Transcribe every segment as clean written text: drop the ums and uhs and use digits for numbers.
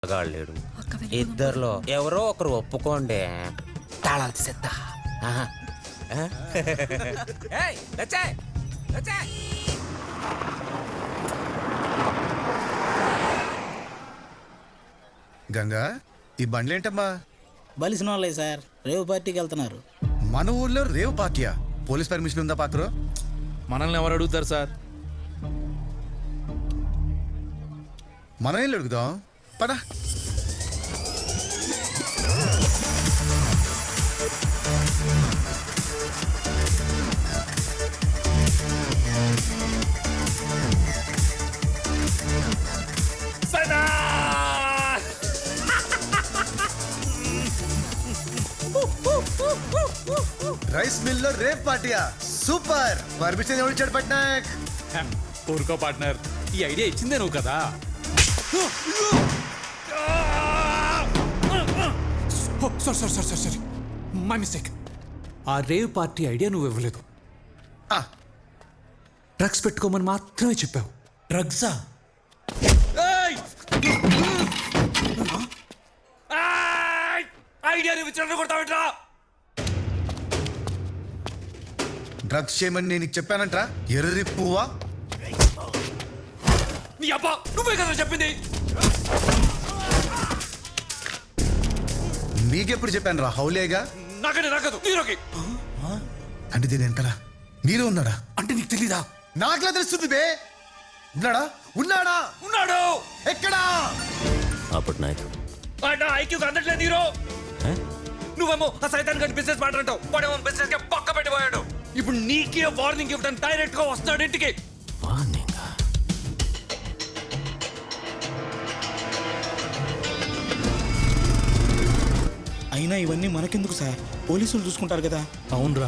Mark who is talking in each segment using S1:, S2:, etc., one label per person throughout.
S1: గాళ్ళేడు ఇద్దరిలో ఎవరో ఒకరు ఒప్పుకోండి. తాళాలు తీసేద్దా.
S2: గంగా, ఈ బండ్లేంటమ్మా?
S3: బలిసిన వాళ్ళే సార్, రేవు పార్టీకి వెళ్తున్నారు.
S2: మన ఊర్లో రేవు పార్టీయా? పోలీస్ పర్మిషన్ ఉందా పాత్ర?
S4: మనల్ని ఎవరు అడుగుతారు సార్?
S2: మనం ఏం అడుగుదాం పదా. రైస్ మిల్ లో రేవ్ పార్టీయా? సూపర్. పర్మిషన్ ఎవరు ఇచ్చాడు పట్నాయక్?
S4: ఊరుకో పార్ట్నర్, ఈ ఐడియా ఇచ్చిందే నువ్వు కదా. Sorry my mistake. ఆ రేవ్ పార్టీ ఐడియా నువ్వు ఇవ్వలేదు. డ్రగ్స్ పెట్టుకోమని మాత్రమే చెప్పావు.
S3: డ్రగ్సా?
S4: ఐడియా నువ్వు ఇచ్చిన కొడతావేట్రా?
S2: డ్రగ్స్ చేయమని నేను నీకు చెప్పానంట్రా, ఎర్రి పువ్వా.
S4: నీ అబ్బా, నువ్వే కదా చెప్పింది.
S2: మీకెప్పుడు చెప్పాను రా హౌలేగా?
S4: నాకంటే నాకదు నీరోకి.
S2: అంటే దీని వెనకాల మీరు ఉన్నాడా?
S4: అంటే నీకు తెలీదా?
S2: నాకులా తెలుస్తుంది బే. ఉన్నాడా? ఉన్నాడా?
S4: ఉన్నాడు.
S2: ఎక్కడా?
S1: అప్పుడు నాయకు
S4: ఐక్యూకి అందట్లేదు నీరో. నువ్వేమో ఆ సైతాన్ గడి బిజినెస్ మాట్లాడతావు, వాడేమో బిజినెస్ కి పక్క పెట్టిపోయాడు. ఇప్పుడు నీకే వార్నింగ్ ఇవ్వడానికి డైరెక్ట్ గా వస్తాడు ఇంటికి.
S3: అయినా ఇవన్నీ మనకెందుకు సార్, పోలీసులు చూసుకుంటారు కదా.
S4: అవునరా.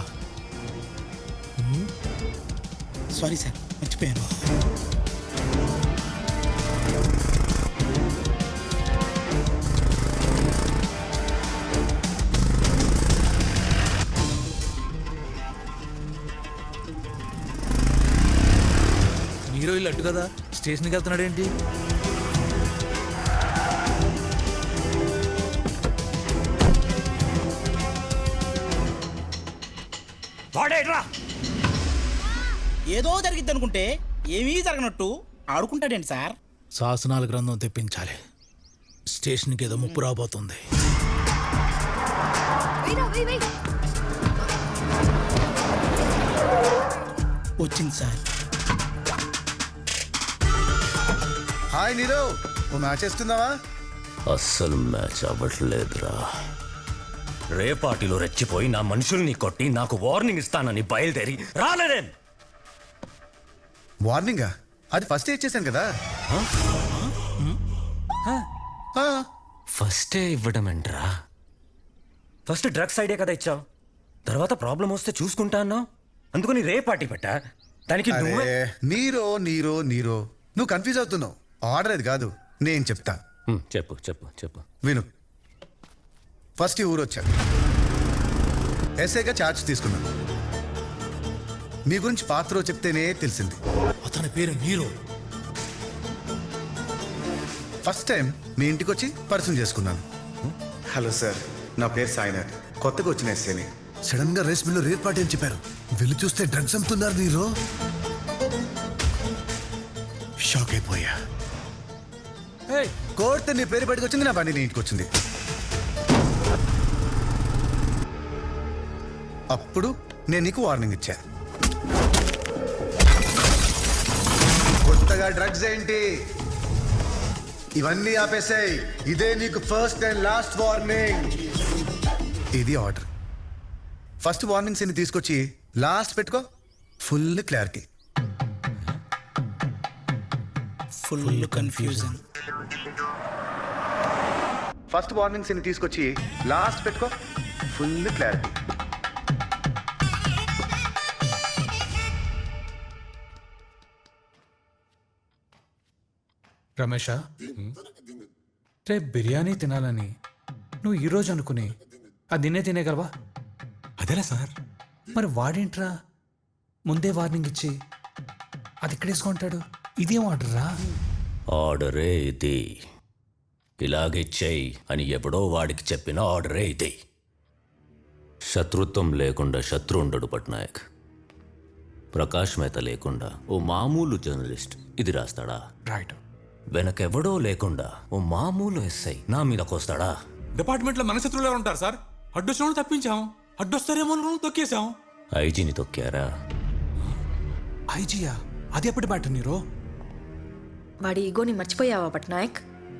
S3: సారీ సార్, మర్చిపోయాను.
S4: నీరో ఇల్లు అట్టు కదా, స్టేషన్కి వెళ్తున్నాడు ఏంటి?
S3: ఏదో జరిగిద్ది అనుకుంటే ఏమీ జరగనట్టు ఆడుకుంటాడేంటి సార్?
S5: శాసనాల గ్రంథం తెప్పించాలి. స్టేషన్కి ఏదో ముప్పు రాబోతుంది.
S3: వచ్చింది సార్.
S2: హాయ్ నీరో, ఓ మ్యాచ్ వేసుకుందావా?
S1: అస్సలు మ్యాచ్ అవ్వట్లేదురా. రే పార్టీలో రెచ్చిపోయి నా మనుషుల్ని కొట్టి నాకు వార్నింగ్ ఇస్తానని బయలుదేరి రాలేదేం?
S2: వార్నింగా? అది ఫస్ట్ ఇచ్చేసాను కదా.
S1: ఫస్టే ఇవ్వడం ఏంట్రా? ఫస్ట్ డ్రగ్స్ ఐడియా కదా ఇచ్చావు, తర్వాత ప్రాబ్లం వస్తే చూసుకుంటా అన్నావు. అందుకని రే పార్టీ పెట్టా. దానికి నువ్వే
S2: నీరో నీరో నీరో, నువ్వు కన్ఫ్యూజ్ అవుతున్నావు. ఆర్డర్ అది కాదు, నేను చెప్తా.
S1: చెప్పు చెప్పు చెప్పు.
S2: విను. ఫస్ట్ ఈ ఊరు వచ్చాను, ఎస్ఐగా ఛార్జ్ తీసుకున్నాను. మీ గురించి పాత్ర చెప్తేనే తెలిసింది.
S5: అతని పేరు నీరో.
S2: ఫస్ట్ టైం మీ ఇంటికి వచ్చి పరిచయం చేసుకున్నాను. హలో సార్, నా పేరు సాయినాథ్, కొత్తగా వచ్చిన ఎస్ఐని. సడన్ గా రేస్ మిల్లో రేట్ పార్టీ అని చెప్పారు. వెళ్ళి చూస్తే డ్రగ్స్ అమ్ముతున్నారు. నీరో షాక్ అయిపోయా. కోర్టు నీ పేరు బయటకు వచ్చింది, నా బండి నీ ఇంటికి వచ్చింది. అప్పుడు నేను నీకు వార్నింగ్ ఇచ్చా. కొత్తగా డ్రగ్స్ ఏంటి, ఇవన్నీ ఆపేసాయి. ఇదే నీకు ఫస్ట్ అండ్ లాస్ట్ వార్నింగ్. ఇది ఆర్డర్. ఫస్ట్ వార్నింగ్స్ ని తీసుకొచ్చి లాస్ట్ పెట్టుకో. Full clarity.
S3: Full confusion.
S2: First warnings ని తీసుకొచ్చి లాస్ట్ పెట్టుకో. Full clarity.
S4: రమేష, రేపు బిర్యానీ తినాలని నువ్వు ఈరోజు అనుకుని అది నిన్నే తినేగలవా?
S5: అదేలా సార్?
S4: మరి వాడేంట్రా ముందే వార్నింగ్ ఇచ్చి అది ఎక్కడేసుకుంటాడు? ఇదేం ఆర్డర్ రా?
S1: ఆర్డరే ఇది. ఇలాగే చెయ్యి అని ఎవడో వాడికి చెప్పిన ఆర్డరే ఇది. శత్రుత్వం లేకుండా శత్రు ఉండడు పట్నాయక్. ప్రకాష్ మేత లేకుండా ఓ మామూలు జర్నలిస్ట్ ఇది రాస్తాడా?
S6: రైట్.
S1: వెనకెవడో లేకుండా ఓ మామూలు ఎస్ఐ నా మీదకొస్తాడా?
S6: డిపార్ట్మెంట్లో మన శత్రువులు ఎవరు ఉంటారు సార్? అడ్డొచ్చినోడు తప్పించాం, అడ్డొస్తారేమో అనుకుని తొక్కేశాం.
S1: ఐజీని తొక్కారా?
S6: ఐజియా? అది ఎప్పటి బ్యాటర్ నీరో?
S7: వాడి ఈగోని మర్చిపోయావా పట్నాయక్?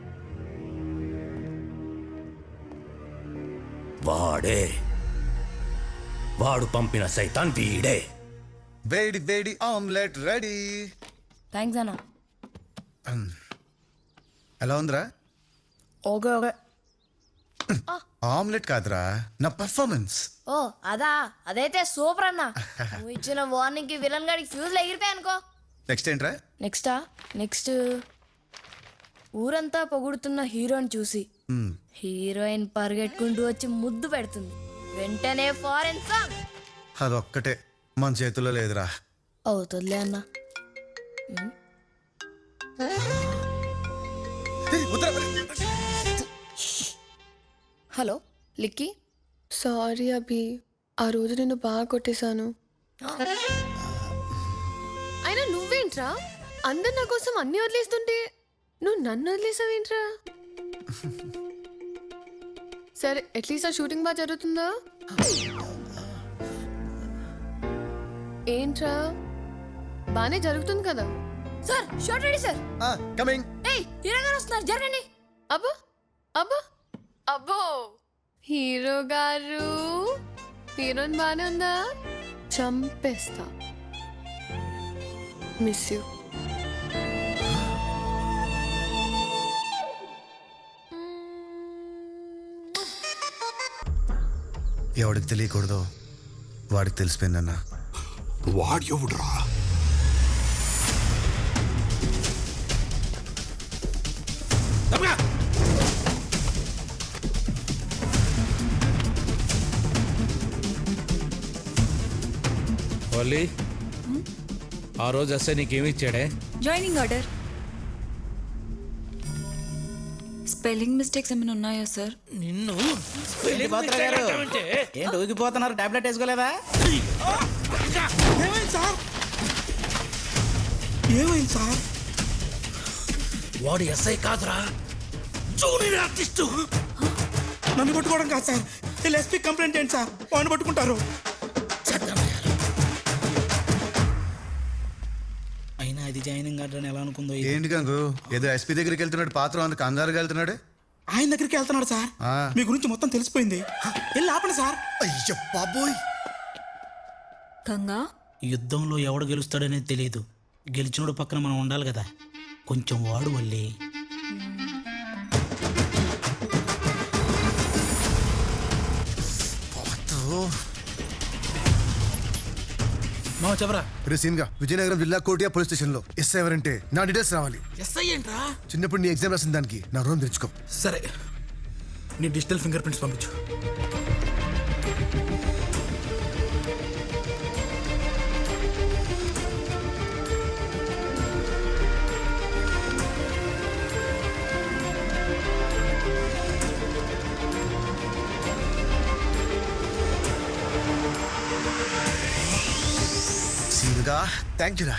S1: వాడు పంపిన సైతాన్ వీడే.
S2: వేడి వేడి ఆమ్లెట్ రెడీ.
S7: థ్యాంక్స్ అన్న.
S2: ఎలా ఉందిరా?
S7: Okay okay.
S2: ఆమ్లెట్ కాదురా, నా పర్ఫార్మెన్స్.
S8: ఓ అదా, అదైతే సూపర్ అన్న. నువ్వు ఇచ్చిన వార్నింగ్ కి విలన్ గాడికి ఫ్యూజ్ ఎగిరిపోయాయి అనుకో.
S2: నెక్స్ట్ ఏంట్రా?
S8: నెక్స్ట్ ఊరంతా పొగుడుతున్న హీరోని చూసి హీరోయిన్ పరిగెట్టుకుంటూ వచ్చి ముద్దు పెడుతుంది. వెంటనే ఫారెన్ సాంగ్.
S2: అదొక్కటే మన చేతుల్లో లేదురా.
S8: అవుతుందిలే అన్న. హలో లిక్కీ.
S9: సారీ అభి, ఆ రోజు నేను బాగా కొట్టేశాను. అయినా నువ్వేంట్రా అందరు నా కోసం అన్ని వదిలేస్తుంటే నువ్వు నన్ను వదిలేసావేంట్రా? సరే అట్లీస్ట్ ఆ షూటింగ్ బాగా జరుగుతుందా? ఏంట్రా బానే జరుగుతుంది కదా?
S8: Sir short ready sir.
S2: Coming.
S8: ఏయ్ హీరో గారు వస్తున్నారు, జరగండి.
S9: అబ్బో అబ్బో అబ్బో, హీరో గారు హీరోయిన్ బానే ఉందా? చంపేస్తా. Miss you.
S2: ఎవడికి తెలియకూడదు వాడికి తెలిసిపోయిందన్నా.
S6: వాడు ఎవడురా?
S5: ఓలీ, ఆ రోజు ఎస్ఐ నీకేమి ఇచ్చాడే?
S7: Joining order. స్పెల్లింగ్ మిస్టేక్స్ ఏమైనా ఉన్నాయా సార్?
S5: నిన్ను
S3: ఏంటి ఊగిపోతున్నారు? టాబ్లెట్ వేసుకోలేదా? ఏమైంది సార్? ఏమైంది సార్?
S5: వాడు ఎస్ఐ కాదురా, జూనియర్ ఆర్టిస్టు.
S3: నన్ను పట్టుకోవడం కాదు సార్, వీళ్ళు ఎస్పీ కంప్లైంట్ ఏంటి సార్? వాడిని పట్టుకుంటారు. అయినా అది జాయినింగ్ ఆర్డర్ ఎలా అనుకుందో.
S2: ఏంటి గంగు, ఏదో ఎస్పీ దగ్గరికి వెళ్తున్నాడు, పాత్ర అందుకు కంగారుగా వెళ్తున్నాడు.
S3: ఆయన దగ్గరికి వెళ్తున్నాడు సార్. మీ గురించి మొత్తం తెలిసిపోయింది. వెళ్ళి ఆపండి సార్.
S2: అయ్యో బాబోయ్.
S7: గంగా,
S3: యుద్ధంలో ఎవడు గెలుస్తాడనేది తెలియదు. గెలిచినోడు పక్కన మనం ఉండాలి కదా. కొంచెం వాడు వల్లి.
S5: మావ చెప్పరా.
S2: రే సీన్గా, విజయనగరం జిల్లా కోటియా పోలీస్ స్టేషన్ లో ఎస్ఐ ఎవరంటే నా డీటెయిల్స్ రావాలి.
S5: ఎస్ఐ ఏంట్రా?
S2: చిన్నప్పుడు నీ ఎగ్జామ్ రాసిన దానికి నా రూమ్ తెచ్చుకో.
S5: సరే, నీ డిజిటల్ ఫింగర్ ప్రింట్స్ పంపించు.
S2: సీన్గా థ్యాంక్ యూ రా.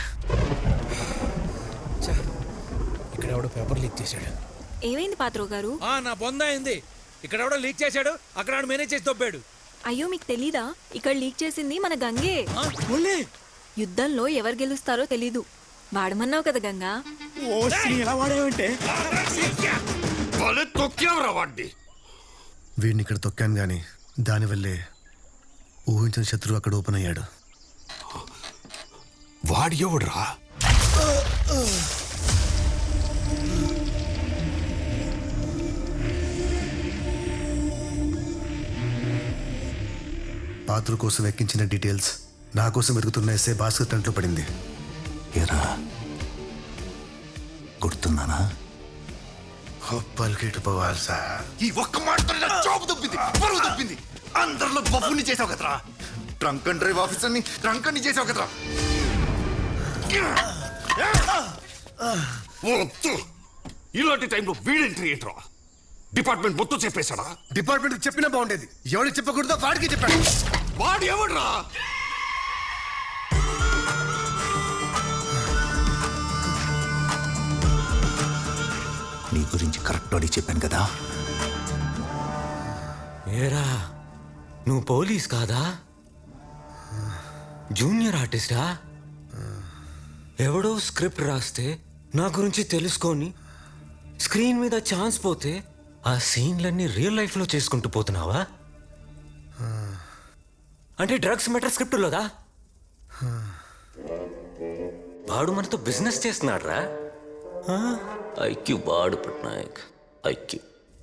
S5: ఇక్కడ ఎవడో పేపర్ లీక్ చేశాడు.
S7: ఏమైంది పాత్రో గారు?
S4: నా బొంద అయింది. ఇక్కడ ఎవడో లీక్ చేశాడు, అక్కడ మేనేజ్ చేసి దొబ్బాడు.
S7: అయ్యో మీకు తెలీదా? ఇక్కడ లీక్ చేసింది మన గంగే. యుద్ధంలో ఎవరు గెలుస్తారో తెలీదు. వాడమన్నావు కదా గంగా.
S3: ఓ ఎలా వాడేవంటే
S2: వీడిని ఇక్కడ తొక్కాను గాని దానివల్లే ఊహించిన శత్రువు అక్కడ ఓపెన్ అయ్యాడు.
S6: వాడు ఎవడురా?
S2: పాత్ర కోసం ఎక్కించిన డీటెయిల్స్ నా కోసం వెతుకుతున్న ఎస్ఐ భాస్కర్ టంట్లో పడింది.
S10: ఏరా గుర్తున్నానా?
S2: పలికేటు పోవాలి సార్.
S10: ఈ ఒక్క మాటతో నా జాబ్ దొబ్బింది, పరువు దొబ్బింది. అందరిలో బఫుని చేసావు కదరా. ట్రంక్ అండ్ డ్రైవ్ ఆఫీసర్ని ట్రంక్ అని చేసావు కదరా.
S4: ఇలాంటి టైంలో వీడెంట్రీ ఏంట్రా?
S10: డిపార్ట్మెంట్ మొత్తం చెప్పేశాడా?
S2: డిపార్ట్మెంట్ చెప్పినా బాగుండేది. ఎవరికి చెప్పకూడదో వాడికి చెప్పాడు.
S10: వాడు ఎవడ్రా? నీ గురించి కరెక్ట్ అడిగి చెప్పాను కదా.
S1: ఏరా నువ్వు పోలీస్ కాదా? జూనియర్ ఆర్టిస్టా? ఎవడో స్క్రిప్ట్ రాస్తే నా గురించి తెలుసుకొని స్క్రీన్ మీద ఛాన్స్ పోతే ఆ సీన్లన్నీ రియల్ లైఫ్లో చేసుకుంటూ పోతున్నావా? అంటే డ్రగ్స్ మెటర్ స్క్రిప్టులోదా? వాడు మనతో బిజినెస్ చేస్తున్నాడు రా. ఐక్యూ బాడు పట్నాయక్ ఐక్యూ.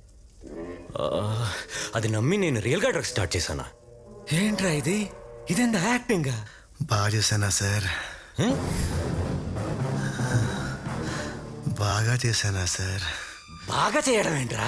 S1: అది నమ్మి నేను రియల్గా డ్రగ్స్ స్టార్ట్ చేశానా? ఏంట్రా ఇది? ఇదెంత యాక్టింగా?
S2: బాగా చేశానా సార్? బాగా చేశానా సార్?
S1: బాగా చేయడం ఏంట్రా?